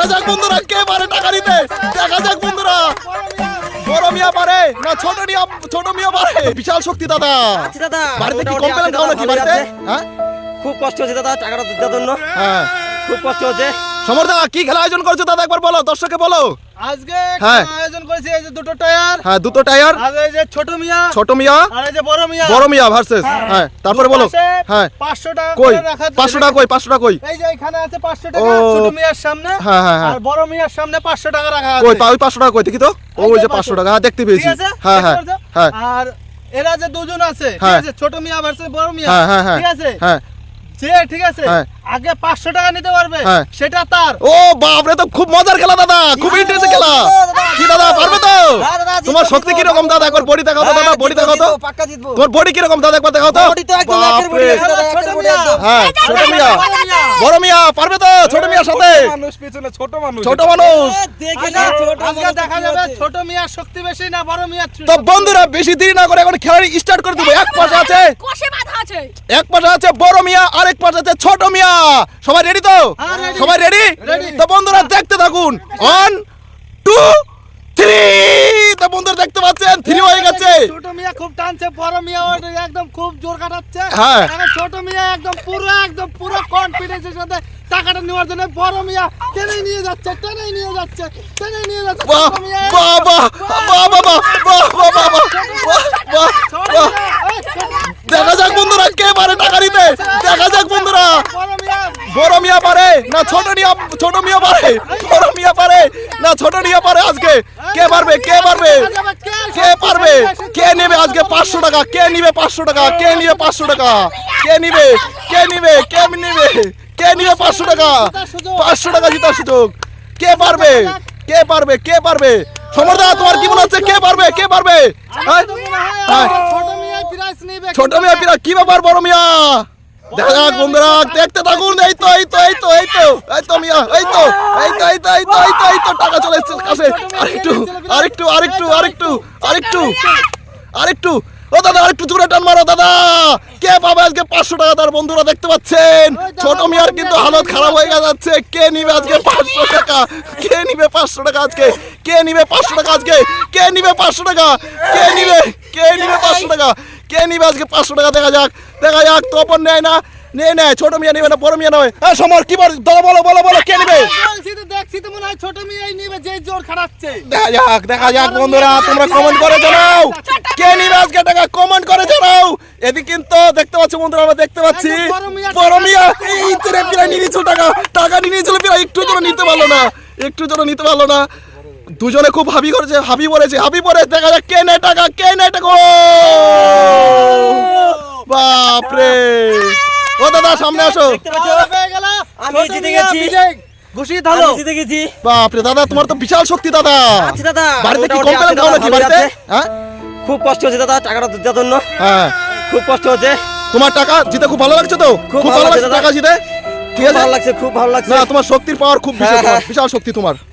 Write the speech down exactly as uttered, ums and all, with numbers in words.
দেখা যাক বন্ধুরা কে পারে টাকা দিতে, দেখা যাক বন্ধুরা বড় মিয়া পারে না ছোট মিয়া, ছোট মিয়া পারে। বিশাল শক্তি দাদা। আচ্ছা দাদা, বাড়িতে কি কমপ্লেন খাও নাকি বাড়িতে? হ্যাঁ খুব কষ্ট হচ্ছে দাদা টাকাটা দেওয়ার জন্য। হ্যাঁ খুব কষ্ট হচ্ছে। সমর দা কি খেলা আয়োজন করছো দাদা একবার বলো, দর্শককে বলো। আজকে হ্যাঁ। আয়োজন করেছি এই যে দুটো টায়ার, হ্যাঁ দুটো টায়ার, আর এই যে ছোট মিয়া, ছোট মিয়া আর এই যে বড় মিয়া। বড় মিয়া ভার্সেস। হ্যাঁ তারপরে বলো। হ্যাঁ পাঁচশো টাকা কই করে রাখা। পাঁচশো টাকা কই, পাঁচশো টাকা কই? এই যে এখানে আছে পাঁচশো টাকা ও। ছোট মিয়ার সামনে, হ্যাঁ হ্যাঁ হ্যাঁ আর বড় মিয়ার সামনে পাঁচশো টাকা রাখা আছে। কই ওই পাঁচশো টাকা কই দেখি তো। ওই যে পাঁচশো টাকা, হ্যাঁ দেখতে ঠিক পেয়েছি। আছে? হ্যাঁ হ্যাঁ দেখতে পাচ্ছো? হ্যাঁ আর এরা যে দুজন আছে, ঠিক হ্যাঁ। আছে, ছোট মিয়া ভার্সেস বড় মিয়া, হ্যাঁ হ্যাঁ হ্যাঁ ঠিক আছে, হ্যাঁ যে ঠিক আছে হ্যাঁ। আগে পাঁচশো টাকা নিতে পারবে হ্যাঁ। সেটা তার। ও বাপ রে, তো খুব মজার খেলা দাদা, খুব ইন্টারেস্টিং খেলা। কি দাদা পারবে তো? হ্যাঁ দাদা, জিতবো, তোমার শক্তি জিতবো, কি রকম দাদা, একবার বডি দেখাও তো দাদা, বডি দেখাও তো। পাক্কা জিতবো। তোমার বডি কি রকম দাদা, একবার দেখাও তো। বডি তো একদম একের বডি আছে দাদা, ছোট একের বডি মিয়া। একদম। হ্যাঁ ছোট মিয়া, বড় মিয়া পারবে তো ছোট মিয়ার সাথে? মানুষ পিছনে ছোট মানুষ। ছোট মানুষ। এ, দেখে না, ছোট আজকে মানুষ দেখা কি যাবে হচ্ছে। ছোট মিয়ার শক্তি বেশি না বড় মিয়ার তো শক্তি বন্ধুরা বেশি দেরি না করে এখন খেলা স্টার্ট করে দেবো। এক পাশে আছে কষে বাঁধা আছে। এক পাশে আছে বড় মিয়া, আরেক পাশে আছে ছোট মিয়া। সবাই রেডি তো? হ্যাঁ, ready। সবাই রেডি? Ready। তো বন্ধুরা দেখতে থাকুন। One two three. তো বন্ধুরা দেখতে পাচ্ছেন থ্রি হয়ে গেছে। ছোট মিয়া খুব টানছে, বড় মিয়া ওটা একদম খুব জোর কাটাচ্ছে। হ্যাঁ। এখন ছোট মিয়া একদম পুরো একদম পুরো কনফিডেন্সের সাথে টাকাটা নেওয়ার জন্য বড় মিয়া টেনে নিয়ে যাচ্ছে, টেনে নিয়ে যাচ্ছে, টেনে নিয়ে যাচ্ছে। বাহ ছোট মিয়া বাহ বাহ বাহ বাহ বাহ বাহ বাহ বাহ বাহ বাহ বাহ ছোট বাহ। মিয়া, এই, ছোট- দেখা যাক বন্ধুরা কে পারে টাকা দিতে, দেখা যাক বন্ধুরা বড় মিয়া বড় মিয়া পারে না ছোট মিয়া, ছোট মিয়া পারে, বড় মিয়া পারে না ছোট মিয়া পারে। আজকে কে পারবে, কে পারবে, কে পারবে, কে নেবে আজকে পাঁচশো টাকা, কে নিবে পাঁচশো টাকা, কে নিবে পাঁচশো টাকা, কে নিবে, কে নিবে, কে নিবে, কে নিবে পাঁচশো টাকা, পাঁচশো টাকা জিতার সুযোগ। কে পারবে, কে পারবে, কে পারবে? সমরদা তোমার কি মনে হচ্ছে কে পারবে, কে পারবে? হ্যাঁ? হ্যাঁ। ছোট মিয়া প্রাইস নিবে। ছোট মিয়া পিরা কি ব্যাপার বড় মিয়া? দেখা যাক বন্ধুরা দেখতে থাকুন। এই তো এই তো এই তো এই তো এই তো মিয়া, এই তো এই তো এই তো এই তো এই তো এই তো টাকা চলে এসেছে কাছে। আরেকটু আরেকটু আরেকটু আরেকটু আরেকটু আরেকটু ও দাদা আরেকটু জোরে টান মারো দাদা। কে পাবে আজকে পাঁচশো টাকা? তার বন্ধুরা দেখতে পাচ্ছেন ছোট মিয়ার কিন্তু হালত খারাপ হয়ে যাচ্ছে। কে নিবে আজকে পাঁচশো টাকা, কে নিবে পাঁচশো টাকা আজকে, কে নিবে পাঁচশো টাকা আজকে, কে নিবে পাঁচশো টাকা, কে নিবে, কে নিবে পাঁচশো টাকা, কে নিবে আজকে পাঁচশো টাকা? দেখা যাক, দেখা যাক। তপন নেয় না, নেয় নেয় ছোট মিয়া নিবে না বড় মিয়া নয়। হ্যাঁ সমর কি বল দাদা, বলো বলো বলো কে নিবে? বলছি তো, দেখছি তো মনে হয় ছোট মিয়াই নিবে, যে জোর খাটাচ্ছে। দেখা যাক, দেখা যাক বন্ধুরা তোমরা কমেন্ট করে জানাও কে নিবে আজকে টাকা, কমেন্ট করে জানাও। এদিকে কিন্তু দেখতে পাচ্ছি বন্ধুরা, আমরা দেখতে পাচ্ছি বড় মিয়া এই তো রে প্রায় নিয়ে নিয়েছিল টাকা, টাকা নিয়ে নিয়েছিল প্রায়, একটু জন্য নিতে পারলো না, একটু জন্য নিতে পারলো না। দুজনে খুব হাবি করেছে, হাবি পড়েছে, হাবি পড়ে। দেখা যাক কে নেয় টাকা, কে নেয় টাকা। ও বাপরে, ও দাদা সামনে আসো। দেখতে পাচ্ছ? হয়ে গেল, আমি ছোট জিতে মিয়া গেছি। বিজয় ঘুষি ধালো। আমি জিতে গেছি। বাপরে দাদা তোমার তো বিশাল শক্তি দাদা। আচ্ছা দাদা, বাড়িতে কি মোটামুটি কমপ্লেন আছে খাও দাদা, নাকি ভালোই বাড়িতে? আছে। হ্যাঁ খুব কষ্ট হচ্ছে দাদা টাকাটা দেওয়ার জন্য। হ্যাঁ খুব কষ্ট হচ্ছে। তোমার টাকা জিতে খুব ভালো লাগছে তো? খুব খুব ভালো ভালো লাগছে লাগছে দাদা। টাকা জিতে? ঠিক খুব আছে ভালো লাগছে, খুব ভালো লাগছে। না তোমার শক্তির পাওয়ার খুব বিশাল, হ্যাঁ, হ্যাঁ। বিশাল শক্তি তোমার।